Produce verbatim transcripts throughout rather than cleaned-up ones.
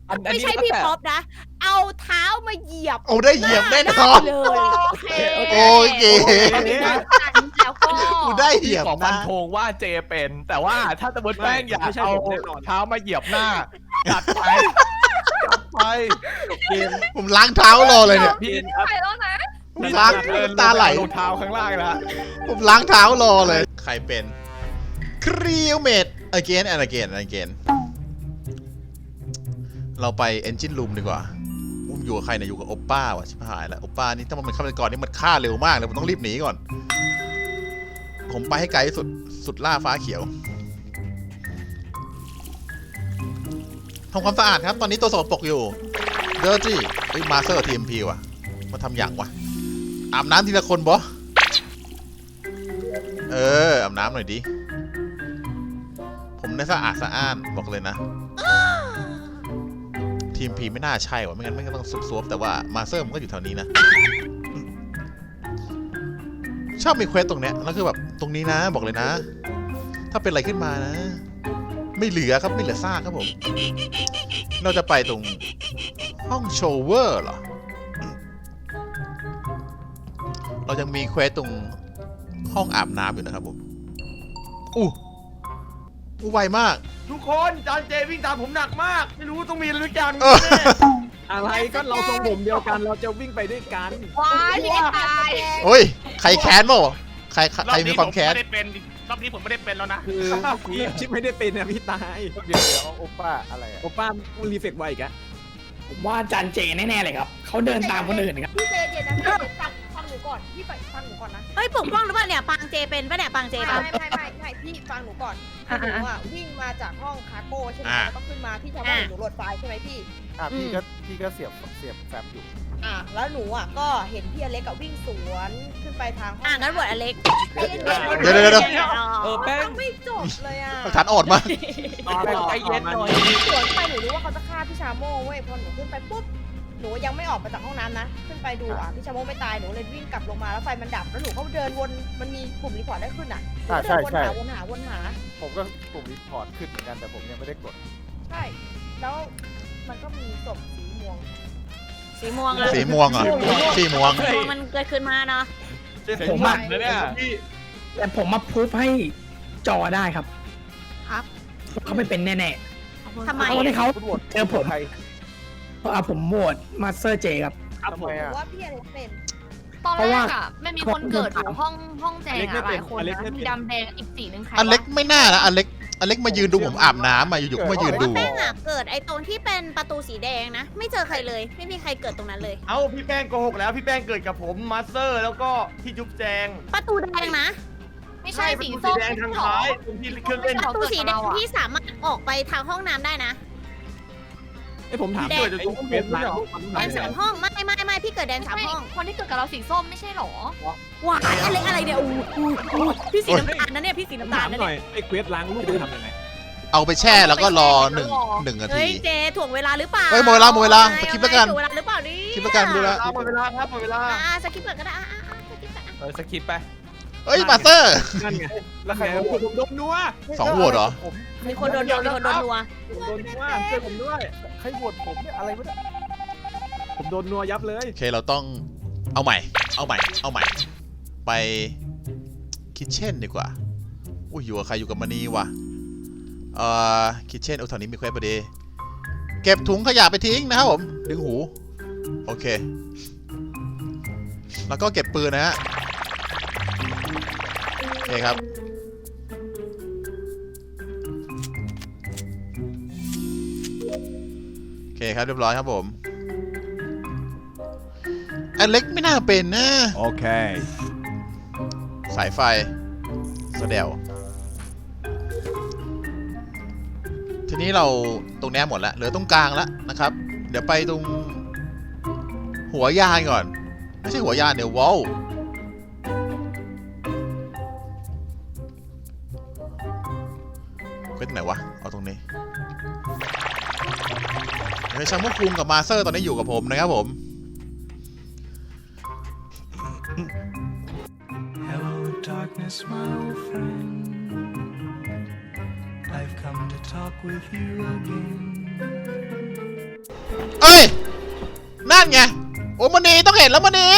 ไม่ใช่พี่ป๊อปนะ เอาเท้ามาเหยียบเอาได้เหยียบแน่นอนเลยโอเคโอเคแล้วก็กูได้เหยีพี่ยบขอฟันะนธงว่าเจเป็น แต่ว่าถ้าสมมติแป้งอยากเอาเท้ามาเหยียบหน้าจัดไปจัดไปผมล้างเท้ารอเลยเนี่ยพี่ไปแล้วนะผมล้างตาไหลรองเท้าข้างล่างนะผมล้างเท้ารอเลย ใครเป็นครีวเมด again and again and again เราไป engine room ดีกว่าอุ้มอยู่กับใครเนี่ยอยู่กับโอปป้าว่ะชิบหายแล้วโอปป้านี่ถ้ามันเป็นฆาตกรนี่มันฆ่าเร็วมากเลยผมต้องรีบหนีก่อน ผมไปให้ไกลที่สุดสุดล่าฟ้าเขียวทำความสะอาดครับตอนนี้ตัวสกปรกอยู่ dirty เฮ้ยมาสเตอร์ ที เอ็ม พี ว่ะมาทำอย่างวะอาบน้ำทีละคนบอเอออาบน้ำหน่อยดิผมได้สะอาดสะอ้านบอกเลยนะทีมพีไม่น่าใช่วะไม่งั้นไม่งั้นต้องซุบซวบแต่ว่ามาสเตอร์มันก็อยู่แถวนี้นะชอบมีเควสตรงเนี้ยแล้วคือแบบตรงนี้นะบอกเลยนะถ้าเป็นอะไรขึ้นมานะไม่เหลือครับไม่เหลือซากครับผมเราจะไปตรงห้องโชเวอร์เหรอเรายังมีเควสตรงห้องอาบน้ำอยู่นะครับผมอู้อู้ไวมากทุกคนจานเจวิ่งตามผมหนักมาก ไม่รู้ต้องมีอะไรทุกอย่างเออแน่อะไรก็เราทรงผมเดียวกันเราจะวิ่งไปด้วยกันว้ายพี่ตายโอ้ยใครแค้นบ่ใครใครมีความแค้นรอบนี้ผมไม่ได้เป็นรอบนี้ผมไม่ได้เป็นแล้วนะคือพี่ชิปไม่ได้เป็นนะพี่ตายเดี๋ยวเดี๋ยวโอป้าอะไรอะโอป้ารีเฟกไวอีกอะผมว่าจานเจแน่ๆเลยครับ เขาเดินตามคนอื่นครับพี่เจเจนะพี่เจฟังฟังหนูก่อนพี่ฟังหนูก่อนนะเฮ้ยปกป้องหรือเปล่าเนี่ยปางเจเป็นปะเนี่ยปางเจไม่ปะไม่ไม่ไม่ไม่พี่ฟังหนูก่อนคือหนูอ่ะวิ่งมาจากห้องคาร์โก้ใช่ไหมแล้วก็ขึ้นมาพี่ชาวบ้านหนูโหลดไฟล์ใช่ไหมพี่อ่ะพี่ก็พี่ก็เสียบเสียบแฟบอยู่อ่ะแล้วหนูอ่ะก็เห็นพี่อเล็กกับวิ่งสวนขึ้นไปทางห้องอ่ะงั้นบวชอเล็กเดี๋ยวเดี๋ยวเดี๋ยวเออแป้งไม่จบเลยอ่ะหลักฐานอ่อนมากใจเย็นหน่อยสวนไปหนูรู้ว่าเขาจะฆ่าพี่ชาโม่เว้ยพอหนูขึ้นไปปุ๊บหนูยังไม่ออกมาจากห้องน้ำนะขึ้นไปดูอ่ะพี่ชาโม่ไม่ตายหนูเลยวิ่งกลับลงมาแล้วไฟมันดับแล้วหนูก็เดินวนมันมีปุ่มรีพอร์ตได้ขึ้นอ่ะหนูก็เดินวนหาวนหาวนหาผมก็ปุ่มรีพอร์ตขึ้นเหมือนกันแต่ผมยังไม่ได้กดใช่ แล้วมันก็มีศพสีม่วงสีม่วงอะสีม่วงเหรอสีม่วงสีม่วงมันเกิดขึ้นมาเนาะผมอะนะเนี่ยแต่ผมมาพูดให้จอได้ครับครับเขาไม่เป็นแน่ทำไมๆเขาได้เขาคุณโหวตเจอผมใครเพราะเอาผมโหวตมาสเตอร์เจครับทำไมหนูอ่ะว่าพี่อเล็กเป็นตอนเพราะแรว่ากอะไม่มีคนเกิดอยู่ห้องห้องแจงอะหลายคนนะมีดำแดงอีกสีนึงใครอเล็กไม่น่านะอเล็กอเล็กมายืนดูผมอาบน้ำมาอยู่ๆก็มายืนดูแป้งอะเกิดไอ้ตรงที่เป็นประตูสีแดงนะ ไม่เจอใครเลย ไม่มีใครเกิดตรงนั้นเลยเอ้าพี่แป้งโกหกแล้วพี่แป้งเกิดกับผมมาสเตอร์แล้วก็พี่จุ๊บแจงประตูแดงนะไม่ใช่สีประตูส้มแดงทางซ้ายตรงที่เครื่องเล่นประตูสีแดงที่สามารถออกไปทางห้องน้ำได้นะไอผมถามแดงเกิดจากตรงเฟซหลังรูปมันแดงสามห้องไม่ไม่ไม่พี่เกิดแดงสามห้องคนที่เกิดกับเราสีส้มไม่ใช่หรอว้ายอะไรอะไรเนี่ยอู้อู้อู้พี่สีน้ำตาลนะเนี่ยพี่สีน้ำตาถาลมนะหน่เนี่อย ยไอเควสล้างรูปมันทำยังไงเอาไปแช่แล้วก็รอหนึ่งหนึ่งนาเฮ้ทียเจถ่วงเวลาหรือเปล่าเฮ้ยหมดเวลาหมดเวลาสกิปแล้วกันถ่วงเวลาหรือเปล่านี่สกิปแล้วกันดูแล้วหมดเวลาครับหมดเวลาอ่าสกิปก่อนก็ได้อ่าอ่าอ่าสกิปก่อนอ่ะเออสกิปไปเอ้ยมาสเตอร์นั่นไงแล้วใครแต่ผมผมโดนนัวสองโหวตเหรอผมมีคนโดนโดนมีคนโดนนัวผมโดนนัวช่วยผมด้วยใครโหวตผมเนี่ยอะไรวะเนี่ยผมโดนนัวยับเลยโอเคเราต้องเอาใหม่ เอาใหม่ เอาใหม่ ไปคิทเช่นดีกว่า อุ้ยอยู่กับใครอยู่กับมณีวะเอ่อคิทเช่นโอ้แถวนี้มีเควสพอดีเก็บถุงขยะไปทิ้งนะครับผมดึงหูโอเค แล้วก็เก็บปืนนะฮะโอเคครับโอเคครับเรียบร้อยครับผมอันเล็กไม่น่าเป็นนะโอเคสายไฟสะเดวทีนี้เราตรงนี้หมดแล้วเหลือตรงกลางแล้วนะครับ เดี๋ยวไปตรงหัวยานก่อน ไม่ใช่หัวยานเดี๋ยววอลเควสไหนวะ เอาตรงนี้เฮ้ยชัมพวกคุงกับมาเซอร์ตอนนี้อยู่กับผมนะครับผม Hello, darkness, my old friend. I've come to talk with you again. เอ้ยนั่นไงโอ้มณีต้องเห็นแล้วมณี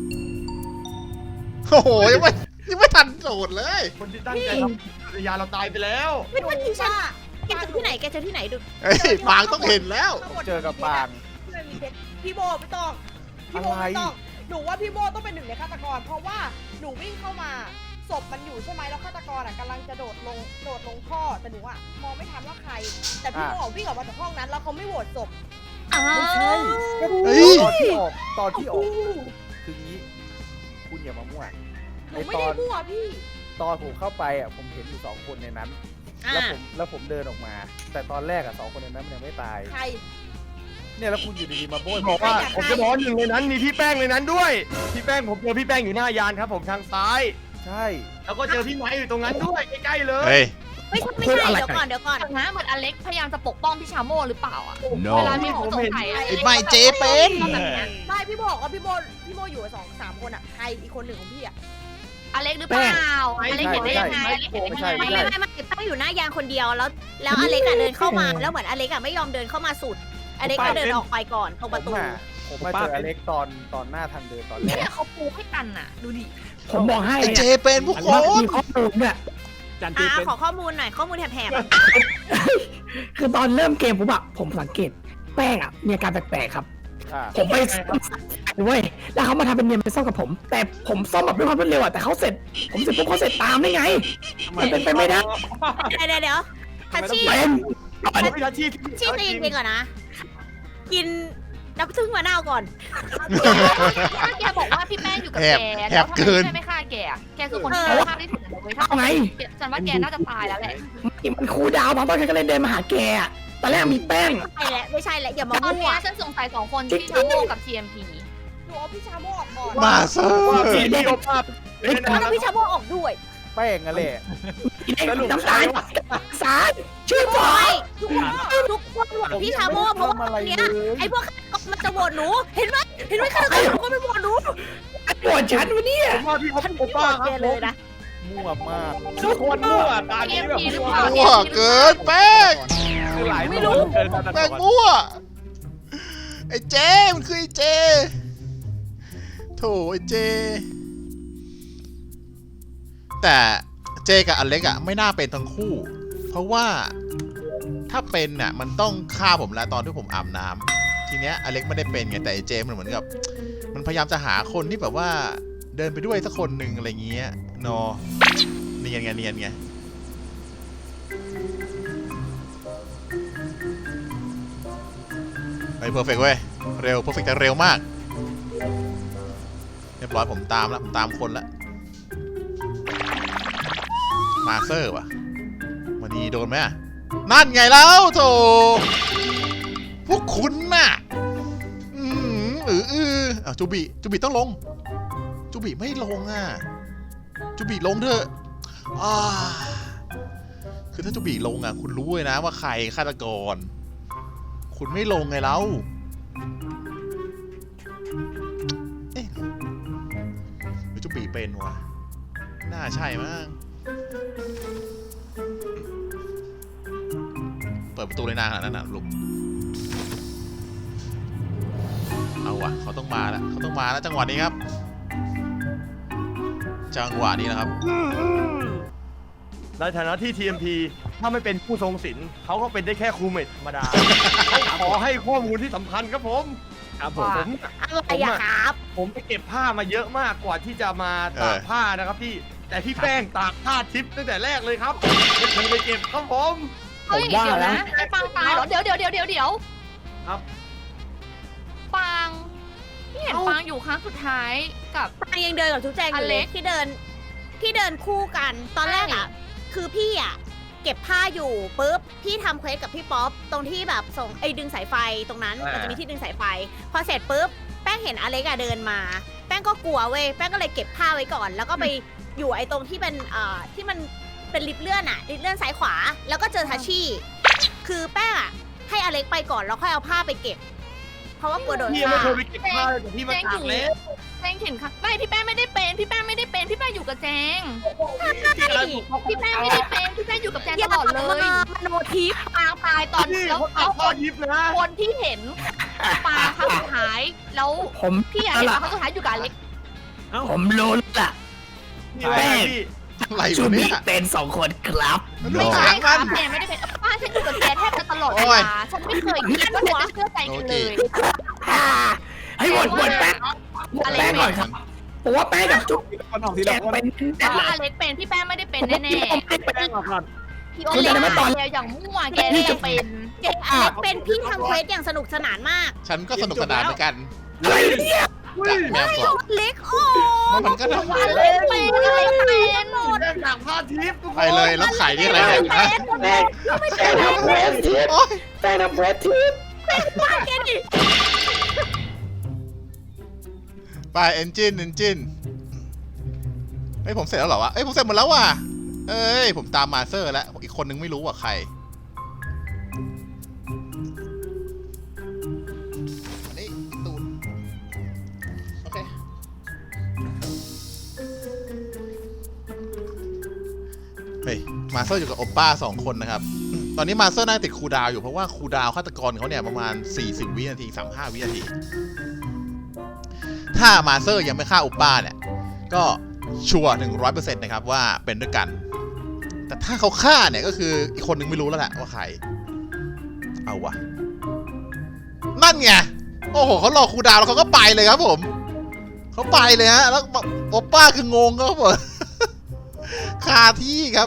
โอ้โหยังไม่ยังไม่ทันโสดเลยคนที่ตั้งใจทำภรรยาเราตายไปแล้วไม่ว่าที่ฉันแกเจอที่ไหนแกเจอที่ไหนดูเฮ้ยปางต้องเห็นแล้วเจอกับปางไม่มีเพชรพี่โบไม่ต้องพี่โบไม่ต้องหนูว่าพี่โบต้องเป็นหนึ่งในฆาตกร เพราะว่าหนูวิ่งเข้ามาศพมันอยู่ใช่ไหมแล้วฆาตกรอ่ะกำลังจะโดดลงโดดลงท่อแต่หนูอ่ะมองไม่ทันว่าใคร แต่พี่โบวิ่งออกมาจากห้องนั้นแล้วเขาไม่โหวตศพไม่ใช่เฮ้ยตอนที่ออกตอนที่ออกคืองี้ คุณอย่ามามั่วหนูไม่ได้มั่วพี่ตอนผมเข้าไปอ่ะผมเห็นอยู่สองคนในนั้น แล้วผมแล้วผมเดินออกมา แต่ตอนแรกอ่ะสองคนในนั้นมันยังไม่ตายใครเนี่ยแล้วคุณอยู่ดีๆมาโบยบอกว่าผมจะบอกว่าหนึ่งในนั้นมีพี่แป้งในนั้นด้วย พี่แป้งผมเจอพี่แป้งอยู่หน้ายานครับผมทางซ้ายใช่แล้วก็เจอพี่ไม้อยู่ตรงนั้นด้วยใกล้ๆเลยเฮ้ยไม่ใช่ไม่ใช่เดี๋ยวก่อนเดี๋ยวก่อนนะเหมือนอเล็กพยายามจะปกป้องพี่ชาโมหรือเปล่าอ่ะ no เวลามีคนสงสัยอะไอ้ไม่เจเป็นแบบเนี้ยไม่พี่โบบอกว่าพี่โบพี่โบอยู่กับสองสามคนอ่ะใครอีกคนหนึ่งของพี่อ่ะอเล็กหรือเปล่าอเล็กเห็นได้ยังไงอเล็กเห็นได้ไม่ยังใช่ไงไม่ไม่ใช่ไม่ไม่แป้งอยู่หน้ายางคนเดียวแล้ว แล้วอเล็กอะเดินเข้ามาแล้วเหมือนอเล็กอะไม่ยอมเดินเข้ามาสุดอเล็กก็เดินออกไปก่อนตรงผประมตูอ่ะผมมาเจออเล็กตอนตอนหน้าทางเดินตอนแรเนี่กยเขาปูให้กันน่ะ ดูดิผมบอกให้ไอ้เจเนี่ยเป็นผู้คมันนมีข้อมูลเนี่ยจันจีอ่าเป็นขอข้อมูลหน่อยข้อมูลแถบๆอะคือตอนเริ่มเกมผมอะผมสังเกตแป้งอะมีอาการแปลกๆครับอ่าผมไปเว้ยแล้วเขามาทำเป็นเนียนเป็นซ่อมกับผม แต่ผมซ่อมแบบด้วยความรวดเร็วอะแต่เขาเสร็จ ผมเสร็จปุ๊บเขาเสร็จตามได้ไง มันเป็นไปไม่ได้เดี๋ยวเดี๋ยวเดี๋ยวทัชชี่เป็นพี่ทัชชี่ชี่ตีนไปก่อนนะ กินน้ำผึ้งมะนาวก่อนถ้าแกบอกว่าพี่แป้งอยู่กับแหแกบแหแล้วบทำไมเกินพี่แป้งไม่ฆ่าแกอะแกคือคนที่เออฆ่าได้ถึงเลยถ้าเอาไงฉันว่าแกน่าจะตายแล้วแหละมันคูลดาวน์ตอนต้นก็เลยเดินมาหาแกอะตอนแรกมีแป้งใช่แหละไม่ใช่แหละอย่ามาตอนมั่วเนี้ยฉันสงสัยสองคนที่ชาโมกับ ที เอ็ม พีหนูเอาพี่ชาโมออกก่อนมาเซอร์พี่เดียวภาพเล่นแล้วนะพี่ชาโมออกด้วยแป้งอะแหละน้ำตาลสารชื่อผมไม่ทุกคนทุกคนโหวตพี่ชาโมเพราะว่าตอนเนี้ยไอ้พวกฆาตกรมันจะโหวตหนู เห็นไหมเห็นไหมฆาตกรทุกคนไม่โหวตหนูปวดฉันวะเนี่ยผมว่าพี่เขาฉันเป็นไม่โหวป้าตคแกรับเลยนะมั่วมากทุกคนมั่วตาทีนี้เอ็มแบบพีหรือเปล่ามั่วเกินแป้งคือหลายไม่ตัวรู้เกินฆาตกแป้งรมั่วไอ้เจมันคือไอ้เจโถไอ้เจ แต่เจกับอเล็กอะไม่น่าเป็นทั้งคู่ เพราะว่าถ้าเป็นน่ะมันต้องฆ่าผมแล้วตอนที่ผมอาบน้ำทีเนี้ยอเล็กไม่ได้เป็นไงแต่ไอ้เจมันเหมือนกับ มันพยายามจะหาคนที่แบบว่าเดินไปด้วยสักคนหนึ่งอะไรเงี้ยนอเนียนไงเนียนไงไปเพอร์เฟกเว้ยเร็วเพอร์เฟกแต่เร็วมากเรียบร้อยผมตามแล้วผมตามคนแล้วมาเซอร์ว่ะวันนี้โดนไหมอะนั่นไงแล้วโถพวกคุณน่ะอืมเออเอออ่ะจูบิจูบิต้องลงจูบิไม่ลงอ่ะจูบิลงเถอะอ่าคือถ้าจูบิลงอ่ะคุณรู้เลยนะว่าใครฆาตกร คุณไม่ลงไงแล้วเอ๊ะหรือจูบิเป็นวะน่าใช่มั้งเปิดประตูเลยนานขนาดนั้นนะลุงเอาวะเขาต้องมาแล้วเขาต้องมาแล้วจังหวะนี้ครับ จังหวะนี้นะครับในฐานะที่ ที เอ็ม พี ถ้าไม่เป็นผู้ทรงศีลเขาก็เป็นได้แค่ครูเมทธรรมดา เขาขอให้ข้อมูลที่สำคัญครับผมครับผมผมอะไรอะครับผมไปเก็บผ้ามาเยอะมากกว่าที่จะมาตากเออผ้านะครับพี่ แต่พี่แป้งตากผ้าทิพย์ตั้งแต่แรกเลยครับไม่เคยไปเก็บครับผมเฮ้ยผมว่าเดี๋ยวนะนะไอ้ปางตายเหรอ เดี๋ยวเดี๋ยวเดี๋ยวเดี๋ยวเดี๋ยวครับปางพี่เห็นปางอยู่ครั้งสุดท้ายกับปางยังเดินกับทุกแจงอยู่เลอเล็ยกที่เดินที่เดินคู่กันตอนแรกอะคือพี่อะเก็บผ้าอยู่ปุ๊บพี่ทำเควสกับพี่ป๊อปตรงที่แบบส่งไอ้ดึงสายไฟตรงนั้นอ่ามัมันจะมีที่ดึงสายไฟ พอเสร็จปุ๊บแป้งเห็นอเล็กอะเดินมา แป้งก็กลัวเว้ยแป้งก็เลยเก็บผ้าไว้ก่อน แล้วก็ไปอยู่ไอ้ตรงที่เป็นเอ่อที่มันเป็นลิฟต์เลื่อนอะลิฟต์เลื่อนซ้ายขวา แล้วก็เจอทัชชี่คือแป้งอะให้อเล็กไปก่อนแล้วค่อยเอาผ้าไปเก็บ เพราะว่ากลัวโดนพี่ยังฆ่าไม่เคยไปเก็บผ้าเลยแต่พี่มาตากแล้วแจงเห็นค่ะไม่พี่แป้งไม่ได้เป็น พี่แป้งไม่ได้เป็น พี่แป้งอยู่กับแจงพี่กำลังถูกเขาพี่แป้งไม่ได้เป็น พี่แป้งอยู่กับแจงอย่าตลอดเลยมามโนทิปปางตายตอนพี่แล้วเขาตาเอากผ้าทิพย์นะคนที่เห็นปางครั้งสุดท้ายแล้วผมพี่อะเห็นว่าครั้งสุดท้ายอยู่กับอเล็กผมรู้ละนี่อะไรนะพี่อะไรชูวะมีเนี่ยเป็นสองคนครับมันดูไม่หาใช่งค่ะมันแกไม่ได้เป็นป้าฉันอยู่กับแกแทบจะตลอดเวโอ้ยลาฉันไม่เคยคิดว่าจะเชื่อใจกันเลยให้หมดหมดแป้งหมดแป้งก่อนครับผมว่าแป้งกับจุ๊บคนออกทีแกละคนเป็นเพราะอเล็กเป็นพี่แป้งไม่ได้เป็นแน่แป้งออกก่อนๆพี่โอเล็กแกอย่างมั่วแกเลยเป็นเจ๊อเล็กเป็นพี่ทำเควสอย่างสนุกสนานมากฉันก็สนุกสนานเหมือนกันอะไรเนี่ยจากแมวสองอเล็กโอ้มันก็ทำอเล็กเป็นอเล็กเป็นหมดแป้งจากผ้าทิพย์ทุกคไปนเลยแล้วไข่นี่อะไรเนี่ยฮะแป้งแป้งทำเพรสทิปโอ๊ยแป้งทำเพรสทิปไปเอนจินเอนจินเฮ้ยผมเสร็จแล้วเหรอวะเอ้ยผมเสร็จหมดแล้วว่ะเอ้ยผมตามมาเซอร์แล้วอีกคนนึงไม่รู้ว่าใครอันนี้อีตูนโอเคเฮ้ยมาเซอร์อยู่กับโอปป้าสองคนนะครับตอนนี้มาเซอร์น่าจะติดคูลดาวน์อยู่เพราะว่าคูลดาวน์ฆาตกรเขาเนี่ยประมาณสี่สิบวินาทีสามสิบห้าวินาทีถ้ามาเซอร์ยังไม่ฆ่าโอปป้าเนี่ยก็ชัวร์หนึ่งร้อยเปอร์เซ็นต์นะครับว่าเป็นด้วยกันแต่ถ้าเขาฆ่าเนี่ยก็คืออีกคนนึงไม่รู้แล้วแหละว่าใครเอาวะนั่นไงโอ้โหเขารอคูลดาวน์แล้วเขาก็ไปเลยครับผมเขาไปเลยฮะแล้วโอปป้าคืองงครับผม คาที่ครับ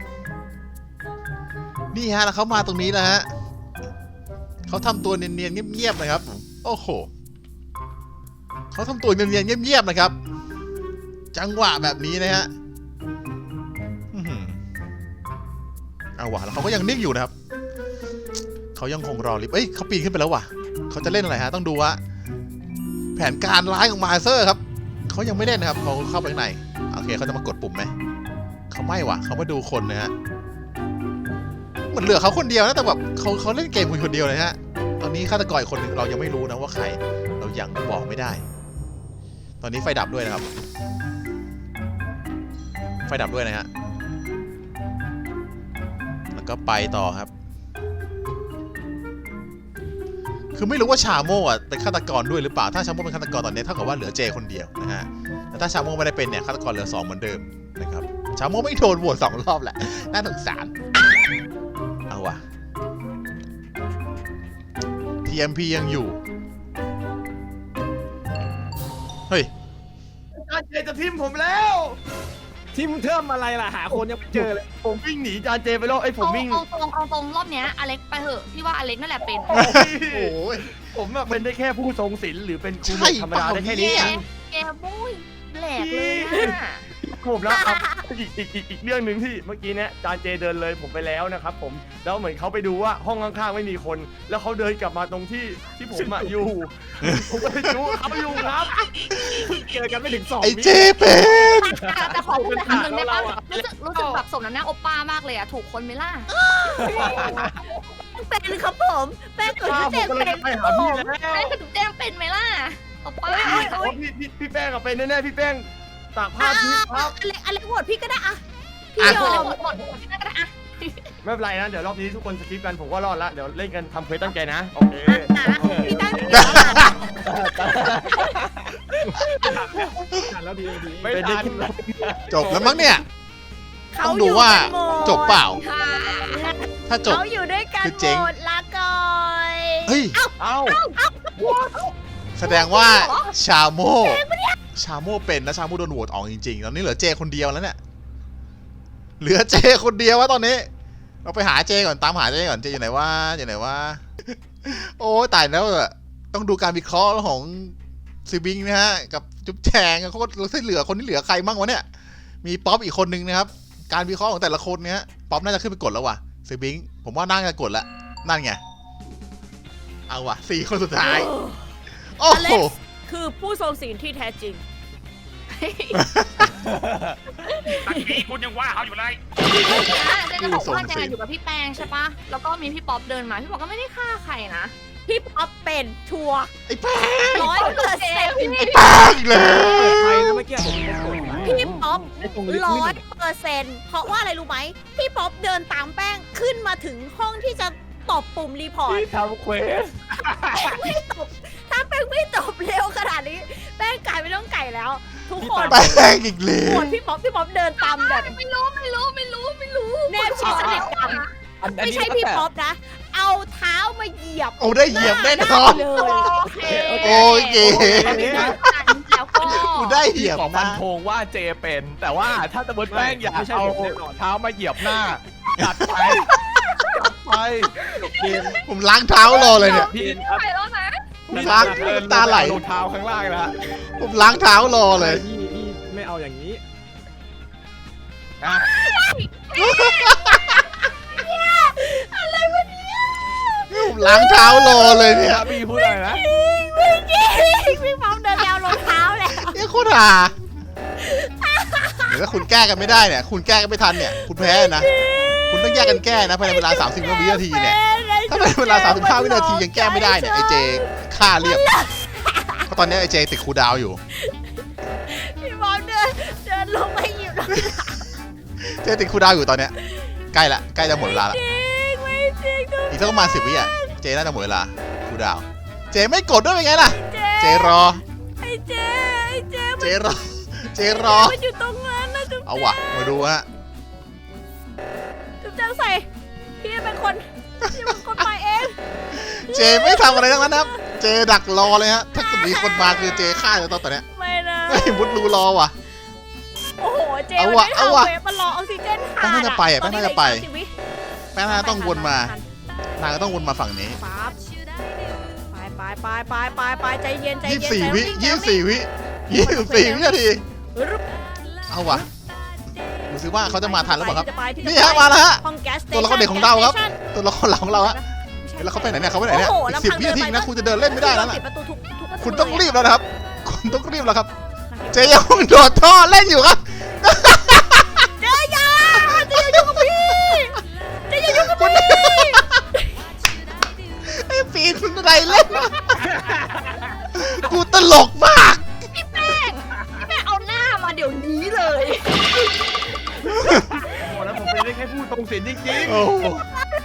นี่ฮะแล้วเขามาตรงนี้แล้วฮะเขาทำตัวเนียนๆเงียบๆนะครับโอ้โหเขาทำตัวเนียนๆเงียบๆนะครับจังหวะแบบนี้นะฮะอื้อหือเอาวะแล้วเขาก็ยังนิ่งอยู่นะครับเขายังคงรอลิฟต์เอ้ยเขาปีนขึ้นไปแล้วว่ะเขาจะเล่นอะไรฮะต้องดูว่าแผนการร้ายของมาเซอร์ครับเขายังไม่เล่นนะครับเขาเข้าไปข้างในโอเคเขาจะมากดปุ่มไหมเขาไม่ว่ะเขามาดูคนนะฮะเหมือนเหลือเขาคนเดียวนะแต่แบบเขาเขาเล่นเกมคนเดียวเลยฮะตอนนี้ฆาตกรอีกคนหนึ่งเรายังไม่รู้นะว่าใครเรายังบอกไม่ได้ตอนนี้ไฟดับด้วยนะครับไฟดับด้วยนะฮะแล้วก็ไปต่อครับคือไม่รู้ว่าชาโม่อะเป็นฆาตกรด้วยหรือเปล่าถ้าชาโม่เป็นฆาตกรตอนนี้เท่ากับว่าเหลือเจคนเดียวนะฮะแต่ถ้าชาโม่ไม่ได้เป็นเนี่ยฆาตกรเหลือสองเหมือนเดิมนะครับชาโม่ไม่โดนโหวตสองรอบแหละน่าสงสารเอาวะ ที เอ็ม พี ยังอยู่เฮ้ยจานเจจะทิมผมแล้วทีมเทิมอะไรล่ะหาคนยังไม่เจอเลยผมวิ่งหนีจานเจไปแล้วไอ้ยผมเอาวิ่งเอาตรงเอาตรงรอบเนี้ยอเล็กไปเถอะพี่ว่าอเล็กนั่นแหละเป็นโอ้ยโอ้ยผมอะเป็นได้แค่ผู้ทรงศีลหรือเป็นครูใช่ธรรมดาได้แค่นี้เปแกล่าเองแกบุ้ยแหลกเลยอะผมแล้วครับอีกอีกอีกอีกเรื่องหนึ่งที่เมื่อกี้เนี้ยจานเจเดินเลยผมไปแล้วนะครับผมแล้วเหมือนเขาไปดูว่าห้องข้างๆไม่มีคน แล้วเขาเดินกลับมาตรงที่ที่ผมอะอยู่ ผมก็เลยรู้เขาอยู่ครับเจอกันไม่ถึงสองไอเจเป็นแต่ขอพูดคำหนึ่งได้ปะรู้สึกรู้สึกแบบสมน้ำหน้าโอป้ามากเลยอะถูกคนไหมล่ะเป็นครับผมแป้งเกิดป้าที่ผเจ๊มก็เลยเป็นจะไปหาพี่แล้วแป้งกับจุ๊บแจ้งเป็นไหมล่ะโอป้าโอ้ยพี่พี่พี่แป้งอะเป็นแน่ๆพี่แป้งตากผ้าทิพย์ครับอะไรอะไรโหวตพี่ก็ได้อะพี่อ่ะยอมหมดหมดหมดที่นั่นก็ได้อะไม่เป็นไรนะเดี๋ยวรอบนี้ทุกคนสกิปกันผมก็รอดละเดี๋ยวเล่นกันทำเควสตั้งใจนะโอเคอ่ะพี่ตั้งแล้วดีดีไม่ทันจบแล้วมั้งเนี่ยเขาต้องอดูยู่ว่ากันหมดจบเปล่าค่ะถ้าจบเขาอยู่ด้วยกันคือหเจ๊งมดลาก่อยเฮ้ยเอ้าแสดงว่าชาโม่ชาโม่เป็นนะชาโม่โดนโหวตออกจริงๆตอนนี้เหลือเจคนเดียวแล้วเนี่ยเหลือเจคนเดียววะตอนนี้ เราไปหาเจก่อนตามหาเจก่อนเจอยู่ไหนวะอยู่ไหนวะโอ้ตายแล้วอะต้องดูการวิเคราะห์ของซีบิงนะฮะกับจุ๊บแจงเขาก็เหลือคนที่เหลือใครบ้างวะเนี่ยมีป๊อปอีกคนนึงนะครับการวิเคราะห์ของแต่ละคนเนี่ยป๊อปน่าจะขึ้นไปกดแล้วว่ะซีบิงผมว่าน่าจะกดละนั่นไงเอาว่ะสี่คนสุดท้ายโอ้อโหเล็กซ์คือผู้ทรงศีลที่แท้จริงตะกี้คุณยังว่าเขาอยู่เลยเจนจะบอกว่าเจนอยู่กับพี่แปงใช่ปะแล้วก็มีพี่ป๊อปเดินมาพี่ป๊อปก็ไม่ได้ฆ่าใครนะพี่ป๊อปเป็นชัวร์ไอ้แป้งร้อยเปอร์เซ็นต์ไอ้แป้งอีกแล้วใครนะเมื่อกี้ผมกดไปพี่ป๊อปร้อยเปอร์เซ็นต์เพราะว่าอะไรรู้ไหมพี่ป๊อปเดินตามแป้งขึ้นมาถึงห้องที่จะตบปุ่มรีพอร์ตที่ทำเควสไม่ตบแล้ว ทุกคนแป้งอีกเลโหยวตพี่ป๊อปพี่ป๊อปเดินตามแบบไม่รู้ไม่รู้ไม่รู้ไม่รู้แนบชิดสนิทกันอันอันไม่นี้ใช่พี่ป๊อปนะ เอาเท้ามาเหยียบโอ้ได้เหยียบแน่นอนเลยโอเคโอเคแล้วก็กูได้เหยียบขอฟันนะธงว่าเจเป็น แต่ว่าถ้าสมมติแป้งอยากเอาเท้ามาเหยียบหน้าจัดไปจัดไปผมล้างเท้ารอเลยเนี่ยพี่ไปแล้วนะผมล้างเดินตาไหลรองเท้าข้างล่างนะฮะผมล้างเท้ารอเลยพี่พี่ไม่เอาอย่างนี้อ่ะผมล้างเท้ารอเลยเนี่ยถ้าพี่พูดอะไรนะไม่จริงพี่ป๊อปเดินไปเอารองเท้าแล้วเนี่ยโคตรห่าเดี๋ยวถ้าคุณแก้กันไม่ได้เนี่ย คุณแก้กันไม่ทันเนี่ย คุณแพ้นะ คุณต้องแยกกันแก้นะภายในเวลา สามสิบ วินาทีเนี่ย ถ้าภายในเวลา สามสิบห้า วินาทียังแก้ไม่ได้เนี่ยไอเจฆ่าเรียบ เพราะตอนนี้ไอเจติดคูลดาวน์อยู่พี่ป๊อปเดินเดินลงไปหยิบรองเท้าเจติดคูลดาวน์อยู่ตอนเนี้ย ใกล้ละ ใกล้จะหมดเวลาละจริงไม่จริงทุกอีกสักประมาณสิบวิอ่ะ เจน่าจะหมดเวลาคูลดาวน์เจไม่กดด้วยเป็นไงล่ะเจเจรอไอ้เจไอ้เจเจรอ เจรอมันอยู่ตรงนั้นนะจุ๊บเอาวะมาดูฮะจุ๊บแจงใส่พี่เป็นคนพี่เป็นคนไปเองเจไม่ทำอะไรทั้งนั้นนะครับ เจดักรอเลยฮะ ถ้าเกิดมีคนมาคือเจฆ่าเลยตอนเนี้ยไม่นะไม่มุดรูรอว่ะโอ้โหเจเอามันวะไม่เอาทำวะเวฟมันรอออกซิเจนแป้งน่าจะไปอะตอนนี้แป้งน่าจะไปเหลืออีกสามสิบวิแป้งน่าต้องวนมา นางก็ต้องวนมาฝั่งนี้ปั๊บไปไปไปไปไปไปใจเย็นใจยี่เย็สินบสี่ใจวิเย็นยี่สิบสี่วิยี่สิบสี่วินาทีรึบเอาวะดูซิว่าเขาจะมาทันหรือเปล่าครับที่จะไปที่จะนี่ฮะมาแล้วฮะห้องแก๊สตัวละครเด็กของเราครับ ตัวละครหลักของเราฮะเฮ้ยแล้วเขาไปไหนเนี่ยเขาไปไหนเนี่ยโอ้โหอีกสิบลำพังวินาทีเดินไปนะคุณจะเดินเล่นไม่ได้แล้วนะปิดประตูทุกทุกประตูคุณต้องเลยะรีบแล้วนะครับ คุณต้องรีบแล้วครับ เจยังโดดท่อเล่นอยู่ครับเจอยาเจอย่ายุ่งกับพี่เจอย่ายุ่งกับพี่ไอ้ปีนคุณอะไรเล่นวะกูตลกมากพี่แป้งพี่แป้งเอาหน้ามาเดี๋ยวนี้เลยโอ้แล้วผมเป็นได้แค่ผู้ทรงศีลจริงโอ้โห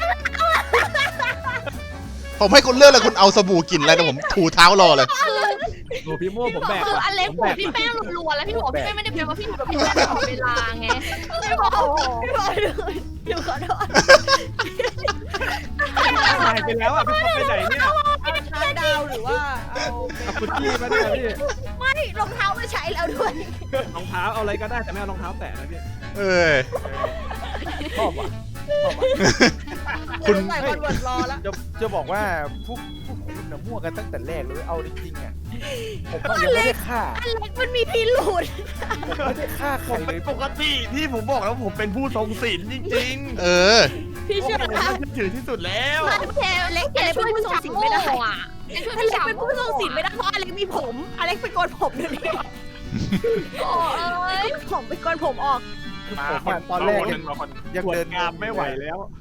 ผมให้คุณเลือกเลยคุณเอาสบู่กลิ่นอะไรแต่ผมถูเท้ารอเลยโอ้พี่โม่ผมแบกคือว่ะอเล็กผมบแบอกกพี่แป้งรัวๆแล้วพี่บอกพี่แป้งไม่ได้เป็นว่าพี่อยู่กับพี่แป้งตลอดเวลาไงพี่บอกพี่บอยเลยอยู่ขอโทษหายไปแล้วอ่ะพี่ป๊อปไปไหนเนี่ยเอาชาร์จดาวหรือว่าเอาเอาคุกกี้มาด้วยพี่ไม่รองเท้าไม่ใช้แล้วด้วยรองเท้าเอาอะไรก็ได้แต่ไม่เอารองเท้าแตะนะพี่เอ้ยชอบว่ะชอบว่ะคุณใส่คอนเวิร์ตรอแล้วจะจะบอกว่าพวกพวกคุณน่ะมั่วกันตั้งแต่แรกเลยเอาจริงๆอ่ะผมก็ยังไม่ได้ฆ่าอเล็กมันมีพิรุษผมไม่ได้ฆ่าใคๆรผมเลเป็นยปกติที่ผมบอกแล้วผมเป็นผู้ทรงศีลจริงเออพี่ๆเชื่อผมนะน่าเชื่อถือที่สุดแล้วมาแกเล็กแกช่วยพี่สาวไม่ได้อ่ะแกช่วยอพี่เล็กสาวเป็นผู้ทรงศีลไม่ได้เพราะอเล็กมีผม อเล็กไปโกนผมเดี๋ยวนี้โอ้ยผมไปโกนผมออกคือผมอะตอนแรกคนหนึ่งมาคนยังเดินงามไม่ไหวแล้ว